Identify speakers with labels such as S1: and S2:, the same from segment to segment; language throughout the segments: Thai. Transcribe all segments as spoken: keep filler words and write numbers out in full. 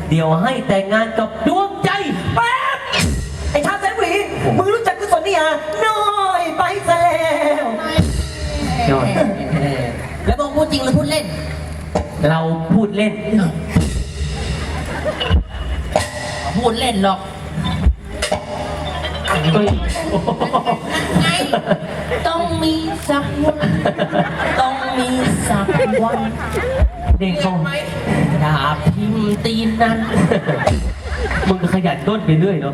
S1: เดี๋ยวให้แต่งงานกับดวงใจ
S2: แป๊บไอ้ชาแสนหวีมึงรู้จักกุศลนิยาน้อยไปซะแล้ว
S1: ยอด
S3: แล้วบอกพูดจริงหรือพูดเล่น
S1: เราพูดเล่น
S3: พูดเล่นหรอก
S1: เฮ้ย
S3: ไงต้องมีสักวันต้องมีสักวัน
S1: เด็กเขา
S3: ดาบทิมตีนนั้น
S1: มึงก็ขยันต้นไปเรื่อยเนาะ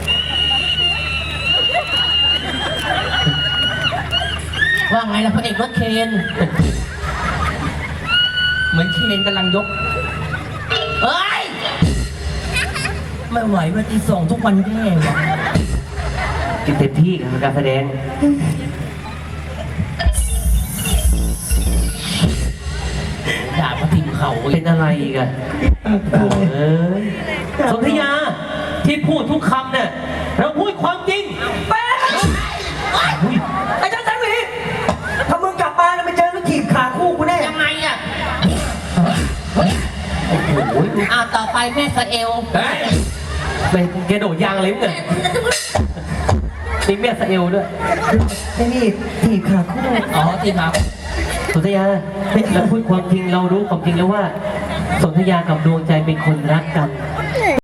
S3: ว่าไงล่ะพระเอกรถเคนเหมือนเคนกำลังยกเฮ้ยไม่ไหวว่าตีส่งทุกวันแย่ว่ะ
S1: กินเต็มที่กับการแสดง
S3: ดาบมาทิมเข่า
S1: เป็นอะไรอีกอะเอ้ยสนธยาที่พูดทุกคำเนี่ยเราพูดความจริง
S2: แป๊บไอ้ชาแสนหวีถ้ามึงกลับมาแล้วไม่เจอแล้วถีบขาคู่กูแน่
S3: ยังไงอ่ะ
S1: โอ้โห
S3: อ้าวต่อไปแม่สะเอล
S1: ไปแกโดดยางเลยเนี่ยนี่แม่สะเอลด้วย
S2: ไอ้นี่ถีบขาคู่
S3: อ๋อทีครับ
S1: สนธยาเราพูดความจริงเรารู้ความจริงแล้วว่าสนธยากับดวงใจเป็นคนรักกัน